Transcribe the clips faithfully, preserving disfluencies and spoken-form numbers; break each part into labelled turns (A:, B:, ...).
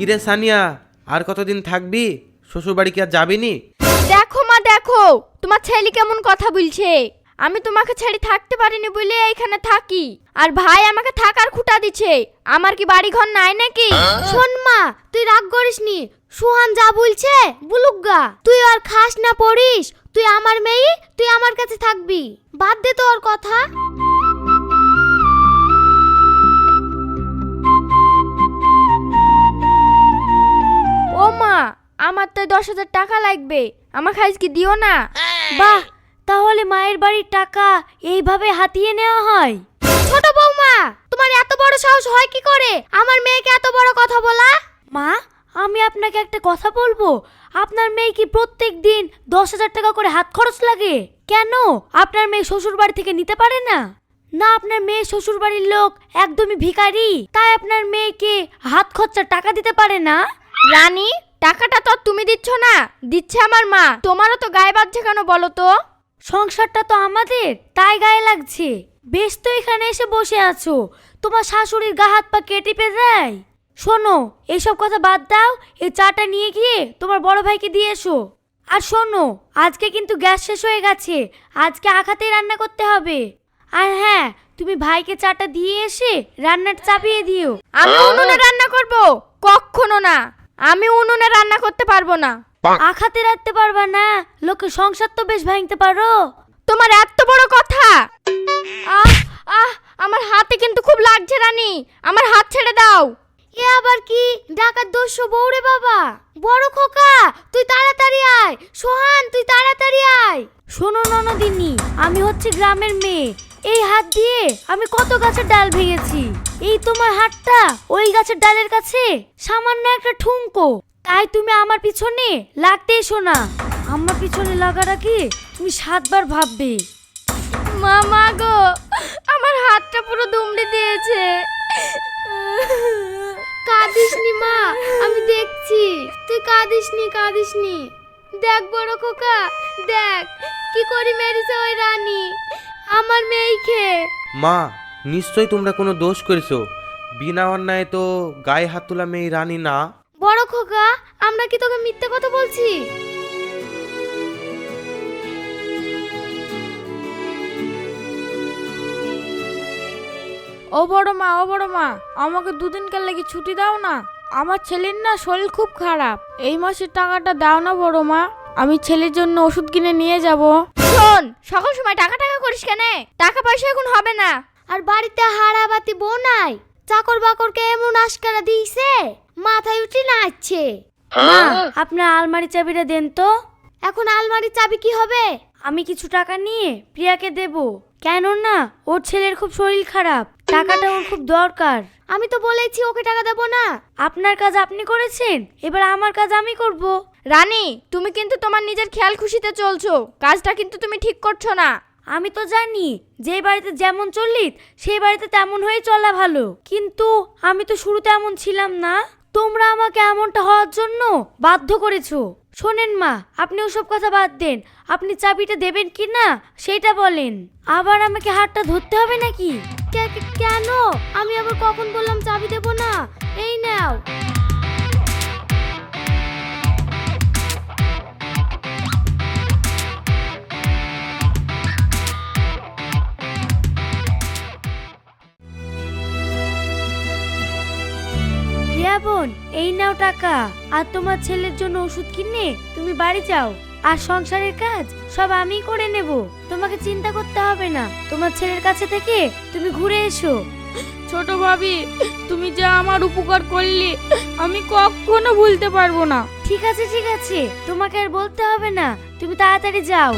A: কিরে সানিয়া, আর কতদিন থাকবি? শ্বশুর বাড়ি কি আর যাবি নি?
B: দেখো মা দেখো, তোমার ছেলে কেমন কথা বলছে। আমি তোমাকে ছেড়ে থাকতে পারিনি বলে এইখানে থাকি, আর ভাই আমাকে থাকার খুঁটা দিচ্ছে। আমার কি বাড়ি ঘর নাই নাকি? শোন মা, তুই রাগ করিস নি। সুহান যা বলছে বলুক গা, তুই আর খাস না পড়িস, তুই আমার মেয়ে, তুই আমার কাছে থাকবি। বাদ দে তো ওর কথা। ও মা, আমার তো দশ হাজার টাকা লাগবে, আমাকে আজকে দিও না। বাহ, তাহলে মায়ের বাড়ির টাকা এইভাবে হাতিয়ে নেওয়া হয়? ছোট বৌমা, তোমার এত বড় সাহস হয় কি করে আমার মেয়েকে এত বড় কথা বলা? মা, আমি আপনাকে একটা কথা বলবো। আপনার মেয়ে কি প্রত্যেক দিন দশ হাজার টাকা করে হাত খরচ লাগে? কেন আপনার মেয়ে শ্বশুর বাড়ি থেকে নিতে পারে না? না, আপনার মেয়ে শ্বশুর বাড়ির লোক একদমই ভিখারি, তাই আপনার মেয়েকে হাত খরচার টাকা দিতে পারে না? রানী, টাকাটা তো তুমি দিচ্ছ না, দিচ্ছে আমার মা। তোমারও তো গায়ে বাজছে কেন বলো তো? সংসারটা তো আমাদের, তাই গায়ে লাগছে। বেশ, তো এখানে এসে বসে আছো, তোমার শাশুড়ির গা হাত পা কেটে পে দেয়। শোনো, এইসব কথা বাদ দাও, এই চাটা নিয়ে গিয়ে তোমার বড় ভাইকে দিয়ে এসো। আর শোনো, আজকে কিন্তু গ্যাস শেষ হয়ে গেছে, আজকে আখাতেই রান্না করতে হবে। আর হ্যাঁ, তুমি ভাইকে চাটা দিয়ে এসে রান্নাটা চাপিয়ে দিও। আমি উনুনে রান্না করব? কখনো না, আমি উনুনে রান্না করতে পারবো না। আখাতে রাখতে পারবা না? লোকের সংসার তো বেশ ভাঙতে পারো। তোমার এত বড় কথা? আহ আহ আমার হাতে কিন্তু খুব লাগছে রানী, আমার হাত ছেড়ে দাও। এ আবার কি ডাকাত দস্যু বউরে বাবা? বড় খোকা, তুই তাড়াতাড়ি আয়। সোহান, তুই তাড়াতাড়ি আয়। শোনো ননদিনী, আমি হচ্ছে গ্রামের মেয়ে। এই হাত দিয়ে আমি কত গাছের ডাল ভেঙেছি। এই তোমার হাতটা ওই গাছের ডালের কাছে সামান্য একটা ঠুনকো, তাই তুমি আমার পিছনে লাগতে এসো না। আমার পিছনে লাগাটা কি তুমি সাতবার ভাববে। মামা গো, আমার হাতটা পুরো দুমড়ে দিয়েছে। কাঁদিসনি মা, আমি দেখছি। তুই কাঁদিসনি কাঁদিসনি। দেখ বড় খোকা, দেখ কি করি মেরেছে ওই রানী আমার মেয়েকে।
A: মা, নিশ্চয়ই তোমরা কোনো দোষ করেছো। বিনা অন্যায় তো গায়ে হাত তোলা মেয়ে রানী না।
B: বড় খোকা, আমরা কি তোকে মিথ্যে কথা বলছি?
C: ও বড় মা, ও বড় মা, আমাকে দুদিনকার লাগি ছুটি দাও না। আমার ছেলের না শরীর খুব খারাপ, এই মাসের টাকাটা দাও না বড় মা, আমি ছেলের জন্য ওষুধ কিনে নিয়ে যাব।
B: শোন, সকল সময় টাকা টাকা করিস কেন? টাকা পয়সা এখন হবে না। আর বাড়িতে হারাবাতি বউ নাই, চাকর বাকরকে এমন আশকারা দিয়েছে মাথায় উঠে নাচছে। মা, আপনার আলমারি চাবিটা দেন তো। এখন আলমারির চাবি কি হবে? আমি কিছু টাকা নিয়ে প্রিয়াকে দেব, কেন না ওর ছেলের খুব শরীর খারাপ, টাকাটা ওর খুব দরকার। আমি তো বলেছি ওকে টাকা দেব না। আপনার কাজ আপনি করেছেন, এবার আমার কাজ আমি করব। রানী, তুমি কিন্তু তোমার নিজের খেয়াল খুশিতে চলছো, কাজটা কিন্তু তুমি ঠিক করছো না। আমি তো জানি যে বাড়িতে যেমন চলিত সেই বাড়িতে তেমন হয়ে চলা ভালো, কিন্তু আমি তো শুরুতে এমন ছিলাম না। তোমরা আমাকে এমনটা হওয়ার জন্য বাধ্য করেছো। শোনেন মা, আপনি ওসব কথা বাদ দেন, আপনি চাবিটা দেবেন কি না সেটা বলেন। আবার আমাকে হাতটা ধরতে হবে নাকি? কেন? আমি আবার কখন বললাম চাবি দেব না? এই নাও। রিয়া বোন, এই নাও টাকা, আর তোমার ছেলের জন্য ওষুধ কিনে তুমি বাড়ি যাও। আর সংসারের কাজ সব আমি করে নেব, তোমাকে চিন্তা করতে হবে না। তোমার ছেলের কাছে থেকে তুমি ঘুরে এসো।
C: ছোট ভাবি, তুমি যা আমার উপকার করলি আমি কখনো ভুলতে পারবো না।
B: ঠিক আছে ঠিক আছে, তোমাকে আর বলতে হবে না, তুমি তাড়াতাড়ি যাও।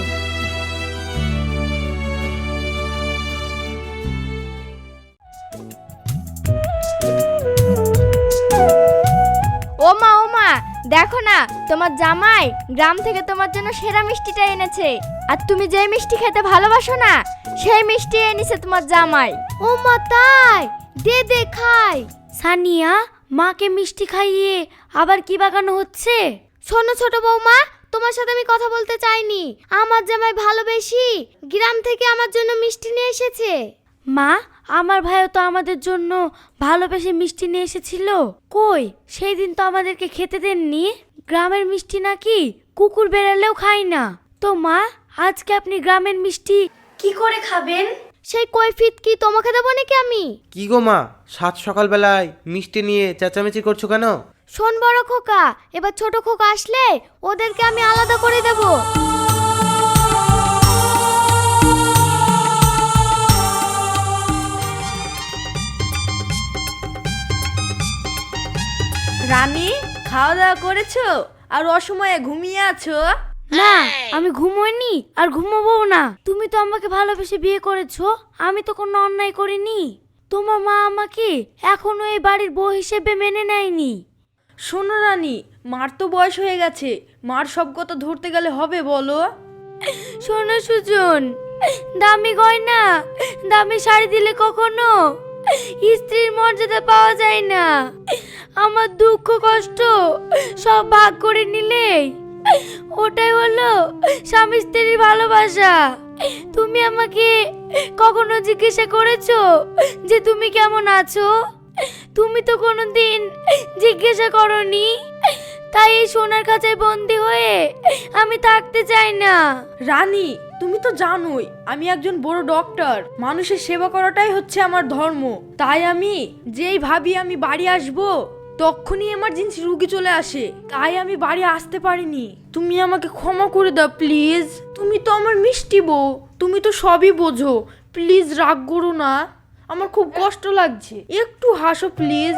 B: ও মা, ও মা, দেখো না, তোমার জামাই গ্রাম থেকে তোমার জন্য সেরা মিষ্টিটা এনেছে। আর তুমি যে মিষ্টি খেতে ভালোবাসো না, সেই মিষ্টি এনেছে তোমার জামাই। ও মা, তাই? দে দে খাই। সানিয়া, মাকে মিষ্টি খাইয়ে আবার কি বাগানো হচ্ছে? শোনো ছোট বৌমা, তোমার সাথে আমি কথা বলতে চাইনি। আমার জামাই ভালোবেসি গ্রাম থেকে আমার জন্য মিষ্টি নিয়ে এসেছে। মা, আমার ভাইও তো আমাদের জন্য ভালোবেসে মিষ্টি নিয়ে এসেছিল। কই সেই দিন তো আমাদেরকে খেতে দেননি। গ্রামের মিষ্টি নাকি কুকুর বেড়ালেও খাই না। তো মা, আজকে আপনি গ্রামের মিষ্টি কি করে খাবেন? সেই কৈফিয়ত কি তোমাকে দেবো নাকি আমি?
A: কি গো মা, সাত সকালবেলায় মিষ্টি নিয়ে চেঁচামেচি করছো কেন?
B: শোন বড় খোকা, এবার ছোট খোকা আসলে ওদেরকে আমি আলাদা করে দেব।
C: রানী, খাওয়া দাওয়া করেছো আর অসময়ে ঘুমিয়ে আছো?
B: না, আমি ঘুমোইনি আর ঘুমোবো না। তুমি তো আমাকে ভালোবেসে বিয়ে করেছো, আমি তো কোনো অন্যায় করিনি। তোমার মা আমাকে এখনো এই বাড়ির বউ হিসেবে মেনে নেয়নি।
C: শোনো রানী, মার তো বয়স হয়ে গেছে, মার সব কথা ধরতে গেলে হবে বলো?
B: শোনো সুজন, দামি গয়না দামি শাড়ি দিলে কখনো স্ত্রীর মর্যাদা পাওয়া যায় না। আমার দুঃখ কষ্ট সব ভাগ করে নিলে ওটাই হলো স্বামী স্ত্রীর ভালোবাসা। তুমি আমাকে কখনো জিজ্ঞাসা করেছো যে তুমি কেমন আছো? তুমি তো কোনোদিন জিজ্ঞাসা করনি। তাই এই সোনার খাঁচায় বন্দি হয়ে আমি থাকতে চাই না।
C: রানী, তুমি তো জানোই আমি একজন বড় ডক্টর, মানুষের সেবা করাটাই হচ্ছে আমার ধর্ম। তাই আমি যেই ভাবি আমি বাড়ি আসব তখনই এমার্জেন্সি রুগী চলে আসে, তাই আমি বাড়ি আসতে পারিনি। তুমি আমাকে ক্ষমা করে দাও প্লিজ। তুমি তো আমার মিষ্টি বউ, তুমি তো সবই বোঝো। প্লিজ রাগ করো না, আমার খুব কষ্ট লাগছে, একটু হাসো প্লিজ।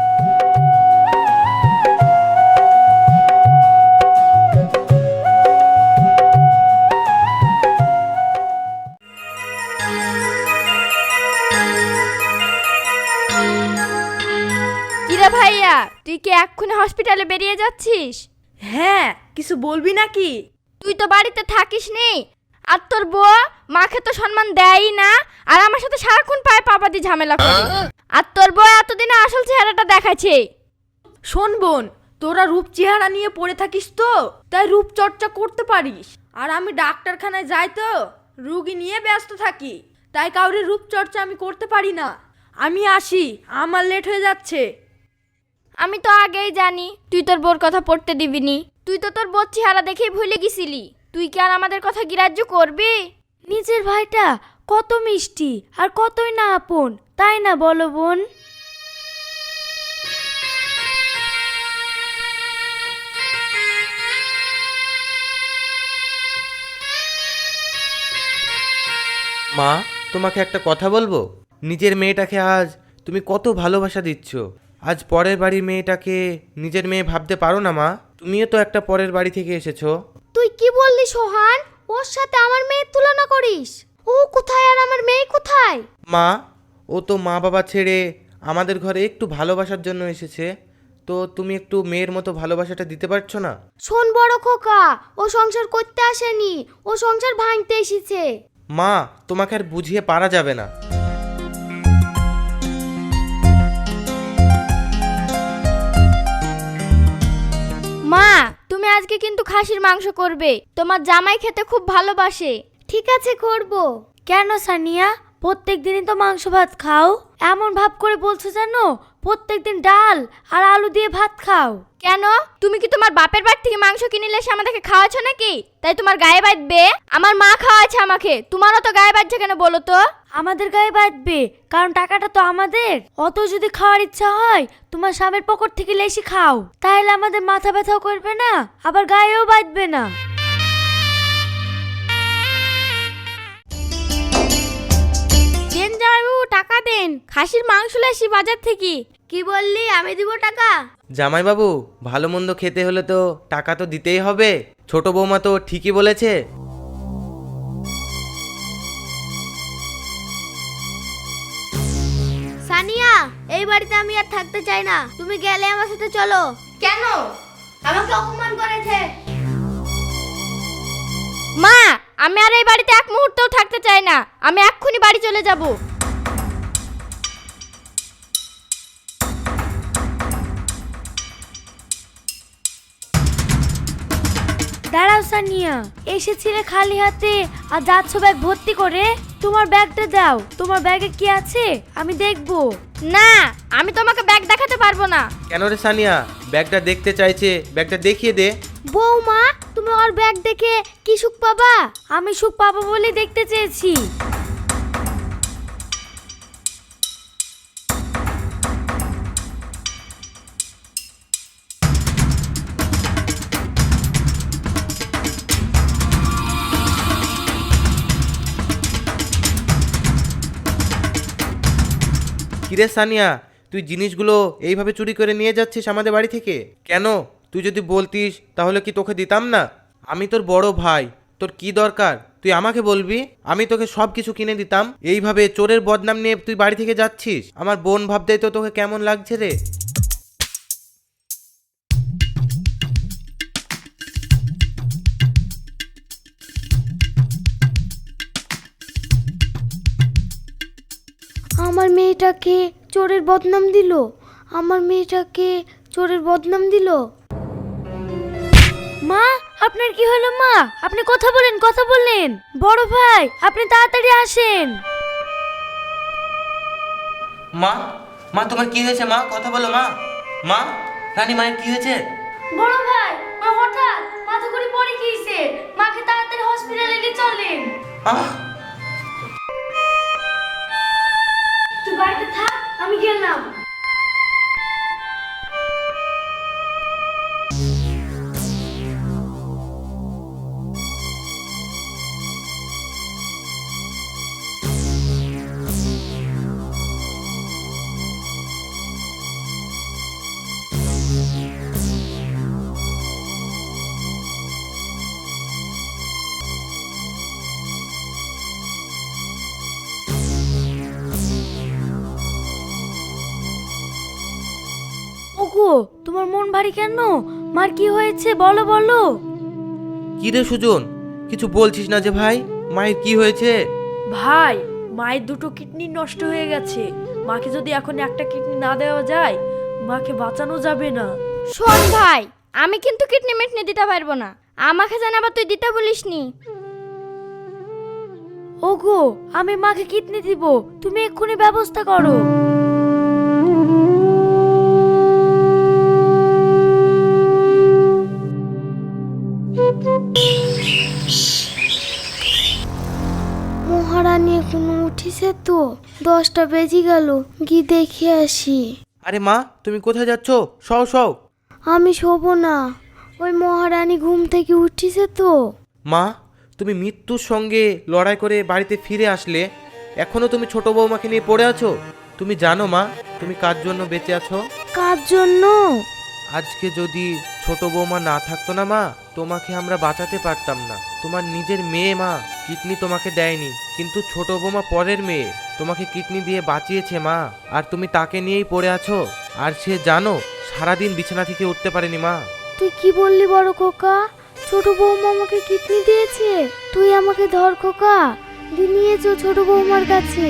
B: কিরে ভাইয়া, তুই কি এক্ষুনি হসপিটালে বেরিয়ে যাচ্ছিস?
C: হ্যাঁ, কিছু বলবি নাকি?
B: তুই তো বাড়িতে থাকিস নি, আর তোর বউ মাকে তো সম্মান দেয়ই না, আর আমার সাথে সারাক্ষণ পায়ে পাপাদি ঝামেলা করে। আর তোর বউ এতদিনে আসল চেহারাটা দেখাচ্ছে।
C: শোন বোন, তোরা রূপ চেহারা নিয়ে পড়ে থাকিস তো, তাই রূপ চর্চা করতে পারিস। আর আমি ডাক্তারখানায় যাই তো রুগী নিয়ে ব্যস্ত থাকি, তাই কাউরে রূপ চর্চা আমি করতে পারি না। আমি আসি, আমার লেট হয়ে যাচ্ছে।
B: আমি তো আগেই জানি তুই তোর বোর কথা পড়তে দিবিনি। তুই তো তোর বোর চেহারা দেখেই ভুলে গেছিলি। তুই কি আর আমাদের কথা গ্রাহ্য করবি? নিজের ভাইটা কত মিষ্টি আর কতই না আপন, তাই না বলো বোন?
A: মা, তোমাকে একটা কথা বলবো। নিজের মেয়েটাকে আজ তুমি কত ভালোবাসা দিচ্ছ, আজ পরের বাড়ির মেয়েটাকে নিজের মেয়ে ভাবতে পারো না মা? তুমিও তো একটা পরের বাড়ি থেকে এসেছো।
B: তুই কি বললি সোহান? ওর সাথে আমার মেয়ের তুলনা করিস? ও কোথায় আর আমার মেয়ে কোথায়?
A: মা, ও তো মা বাবা ছেড়ে আমাদের ঘরে একটু ভালোবাসার জন্য এসেছে, তো তুমি একটু মেয়ের মতো ভালোবাসাটা দিতে পারছো না?
B: শোন বড় খোকা, ও সংসার করতে আসেনি, ও সংসার ভাঙতে এসেছে।
A: মা, তোমাকে আর বুঝিয়ে পারা যাবে না।
B: মা, তুমি আজকে কিন্তু খাসির মাংস করবে, তোমার জামাই খেতে খুব ভালোবাসে। ঠিক আছে, করব। কেন সানিয়া, প্রত্যেক দিনই তো মাংস ভাত খাও? এমন ভাব করে বলছো জানো প্রত্যেকদিন ডাল আর আলু দিয়ে ভাত খাও। কেন, তুমি কি তোমার বাপের বাড়ি থেকে মাংস কিনে এসে আমাদেরকে খাওয়াচ্ছ নাকি? তাই তোমার গায়ে বাঁধবে? আমার মা খাওয়াচ্ছে আমাকে, তোমারও তো গায়ে বাঁধছে কেন বলো তো? আমাদের গায়ে বাঁধবে কারণ টাকাটা তো আমাদের। অত যদি খাওয়ার ইচ্ছা হয় তোমার স্বামীর পকেট থেকে লেসি খাও, তাহলে আমাদের মাথা ব্যথাও করবে না, আবার গায়েও বাঁধবে না। দেন জামাইবাবু, টাকা দেন, খাসির মাংস লেসি বাজার থেকে। কি বললি? আমি দিব টাকা?
A: জামাইবাবু, ভালো মন্দ খেতে হলে তো টাকা তো দিতেই হবে। ছোট বৌমা তো ঠিকই বলেছে।
B: সানিয়া, এই বাড়িতে আমি আর থাকতে চাই না, তুমি গেলে আমার সাথে চলো। কেন? আমাকে অপমান করেছে। মা, আমি আর এই বাড়িতে এক মুহূর্তও থাকতে চাই না, আমি এক্ষুনি বাড়ি চলে যাব। দাঁড়াও সানিয়া, এসেছিলে খালি হাতে আর যাচ্ছ ব্যাগ ভর্তি করে। তোমার ব্যাগটা দাও, তোমার ব্যাগে কি আছে আমি দেখবো। না, আমি তোমাকে ব্যাগ দেখাতে পারবো না।
A: কেন রে সানিয়া, ব্যাগটা দেখতে চাইছে, ব্যাগটা দেখিয়ে দে।
B: বৌমা, তুমি ওর ব্যাগ দেখে কি সুখ পাবা? আমি সুখ পাবো বলে দেখতে চেয়েছি।
A: কিরে সানিয়া, তুই জিনিসগুলো এইভাবে চুরি করে নিয়ে যাচ্ছিস আমাদের বাড়ি থেকে কেন? তুই যদি বলতিস তাহলে কি তোকে দিতাম না? আমি তোর বড় ভাই, তোর কি দরকার তুই আমাকে বলবি, আমি তোকে সব কিছু কিনে দিতাম। এইভাবে চোরের বদনাম নিয়ে তুই বাড়ি থেকে যাচ্ছিস, আমার বোন ভাবতেই তো তোকে কেমন লাগছে রে।
B: আমার মেয়েটাকে চোরের বদনাম দিল, আমার মেয়েটাকে চোরের বদনাম দিল। মা, আপনার কি হলো? মা, আপনি কথা বলেন, কথা বলেন। বড় ভাই, আপনি তাড়াতাড়ি আসেন।
A: মা, মা তোমার কি হয়েছে? মা কথা বলো। মা, মা, রানী মায়ের কি হয়েছে?
B: বড় ভাই, মা হঠাৎ মাথা করে পড়ে গিয়েছে, মাকে তাড়াতাড়ি হসপিটালে নিয়ে চলেন।
A: আহ,
B: তুই বাড়িতে থাক, আমি গেলাম। ওগো, তোমার মন ভারী কেন? মার কি হয়েছে বলো বলো।
A: কি রে সুজন, কিছু বলছিস না যে ভাই? মায়ের কি হয়েছে?
C: ভাই, মায়ের দুটো কিডনি নষ্ট হয়ে গেছে। মাকে যদি এখন একটা কিডনি না দেওয়া যায়, মাকে বাঁচানো যাবে না।
B: শোন ভাই, আমি কিন্তু কিডনি মিটনি দিতে পারবো না, আমাকে জানাবা তুই দিতে বলিসনি। ওগো, আমি মাকে কিডনি দিব, তুমি এক্ষুনি ব্যবস্থা করো। মহারানী এখনো উঠিছে তো? দশটা বেজে গেল, গিয়ে দেখে আসি।
A: আরে মা, তুমি কোথায় যাচ্ছ? সও সও।
B: আমি শোবো না, ওই মহারানী ঘুম থেকে উঠিছে তো।
A: মা, তুমি মৃত্যুর সঙ্গে লড়াই করে বাড়িতে ফিরে আসলে, এখনো তুমি ছোট বৌমাকে নিয়ে পড়ে আছো। তুমি জানো মা, তুমি কার জন্য বেঁচে আছো?
B: কার জন্য?
A: আজকে যদি ছোট বৌমা না থাকতো না মা, তোমাকে আমরা বাঁচাতে পারতাম না। তোমার নিজের মেয়ে মা, কিডনি তোমাকে দেয়নি, কিন্তু ছোট বৌমা পরের মেয়ে, তোমাকে কিডনি দিয়ে বাঁচিয়েছে মা। আর তুমি তাকে নিয়েই পড়ে আছো, আর সে জানো সারাদিন বিছানা থেকে উঠতে পারেনি মা।
B: তুই কি বললি বড় খোকা? ছোট বৌমা আমাকে কিডনি দিয়েছে? তুই আমাকে ধর খোকা, দিয়ে নিয়েছো ছোট বৌমার কাছে।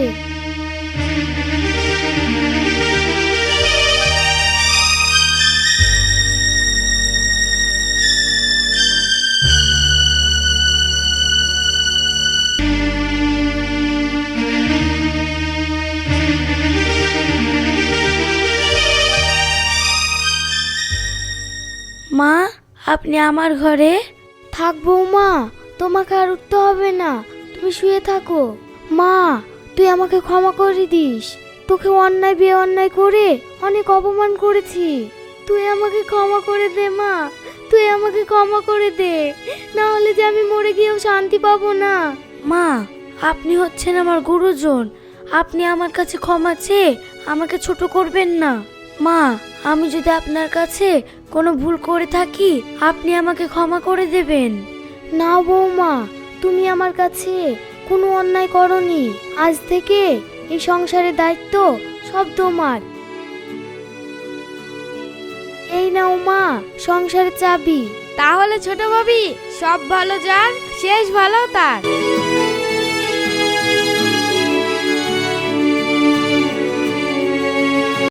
B: মা, আপনি আমার ঘরে থাকবো। মা, তোমাকে আর উঠতে হবে না, তুমি শুয়ে থাকো। মা, তুই আমাকে ক্ষমা করে দিস, তোকে অন্যায় বিয়ে অন্যায় করে অনেক অপমান করেছি। তুই আমাকে ক্ষমা করে দে মা, তুই আমাকে ক্ষমা করে দে, না হলে যে আমি মরে গিয়েও শান্তি পাবো না। মা, আপনি হচ্ছেন আমার গুরুজন, আপনি আমার কাছে ক্ষমা চেয়ে আমাকে ছোট করবেন না। মা, আমি যদি আপনার কাছে কোনো ভুল করে থাকি, আপনি আমাকে ক্ষমা করে দেবেন। না বৌমা, তুমি আমার কাছে কোনো অন্যায় করনি, আজ থেকে এই সংসারের দায়িত্ব সব তোমার। এই নাও মা, সংসারের চাবি। তাহলে ছোট ভাবি, সব ভালো যার শেষ ভালো তার।